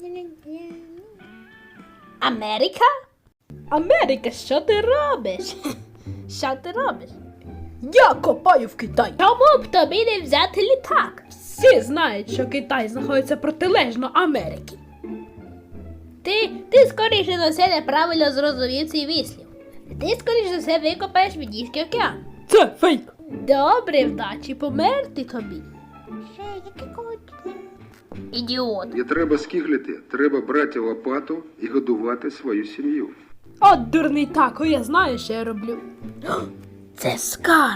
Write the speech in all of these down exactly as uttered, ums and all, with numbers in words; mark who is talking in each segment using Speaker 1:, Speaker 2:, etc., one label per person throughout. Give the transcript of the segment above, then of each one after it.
Speaker 1: Америка? Америка, що ти робиш? Що ти робиш?
Speaker 2: Я копаю в Китаї.
Speaker 1: Чому б тобі не взяти літак?
Speaker 2: Всі знають, що Китай знаходиться протилежно Америки.
Speaker 1: Ти, ти скоріше за все неправильно зрозумів цей вислів. Ти скоріше за все викопаєш Віднійський океан.
Speaker 2: Це фейк.
Speaker 1: Добре, вдачі померти тобі. Ідіот.
Speaker 3: Не треба скиглити, треба брати лопату і годувати свою сім'ю.
Speaker 2: От дурний тако, я знаю, що я роблю.
Speaker 1: Це скарб.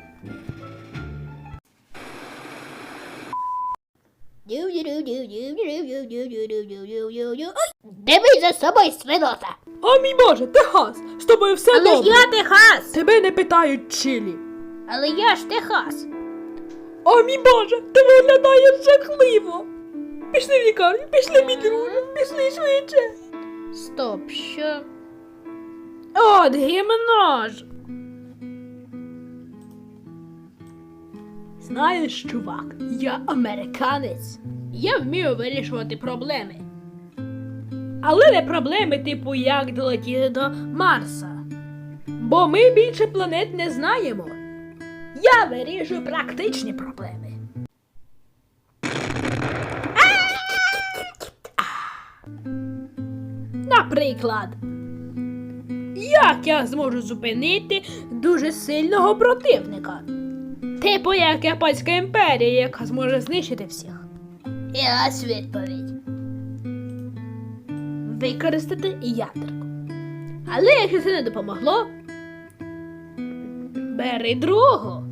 Speaker 1: Дивись за собою, свинота.
Speaker 2: О мій Боже, Техас, з тобою все
Speaker 1: Але ж
Speaker 2: добре.
Speaker 1: я Техас.
Speaker 2: Тебе не питають Чилі.
Speaker 1: Але я ж Техас.
Speaker 2: О мій Боже, ти виглядаєш жахливо. Пішли в лікарню, пішли, мій друже, пішли швидше.
Speaker 1: Стоп, що?
Speaker 2: От гімно ж. Знаєш, чувак, я американець. Я вмію вирішувати проблеми. Але не проблеми, типу, як долетіти до Марса. Бо ми більше планет не знаємо. Я вирішую практичні проблеми. Наприклад, як я зможу зупинити дуже сильного противника? Типу як Японська імперія, яка зможе знищити всіх.
Speaker 1: І ось відповідь.
Speaker 2: Використати ядерку. Але якщо це не допомогло, бери другу.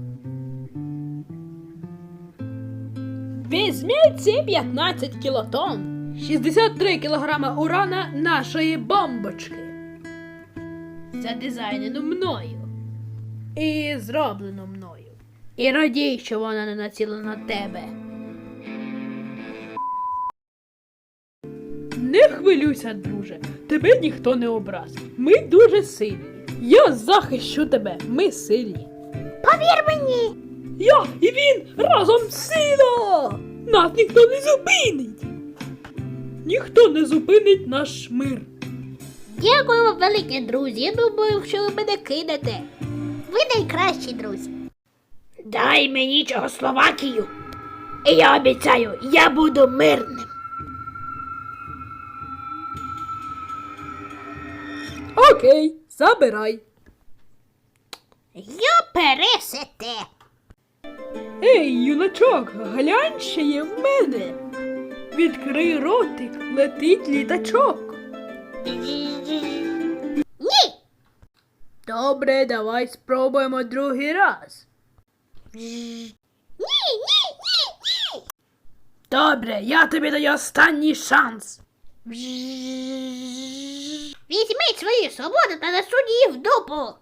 Speaker 2: Візьміть ці п'ятнадцять кілотон, шістдесят три кілограма урана нашої бомбочки. Задизайнено мною. І зроблено мною. І радій, що вона не націлена на тебе. Не хвилюйся, друже. Тебе ніхто не образить. Ми дуже сильні. Я захищу тебе. Ми сильні.
Speaker 1: Повір мені!
Speaker 2: Я і він разом сила! Нас ніхто не зупинить! Ніхто не зупинить наш мир.
Speaker 1: Дякую вам, велике друзі. Я думаю, що ви мене кинете. Ви найкращі друзі.
Speaker 2: Дай мені Чехословакію. І я обіцяю, я буду мирним. Окей, забирай.
Speaker 1: Я пересете.
Speaker 2: Ей, юначок, глянь, що є в мене. Відкрий ротик, летить літачок.
Speaker 1: Ні!
Speaker 2: Добре, давай спробуємо другий раз.
Speaker 1: Ні, ні, ні, ні!
Speaker 2: Добре, я тобі даю останній шанс.
Speaker 1: Візьміть свою свободу та насунь її в дупу.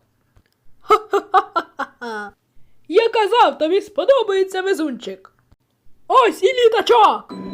Speaker 2: Я казав, тобі сподобається везунчик. Ось і літачок.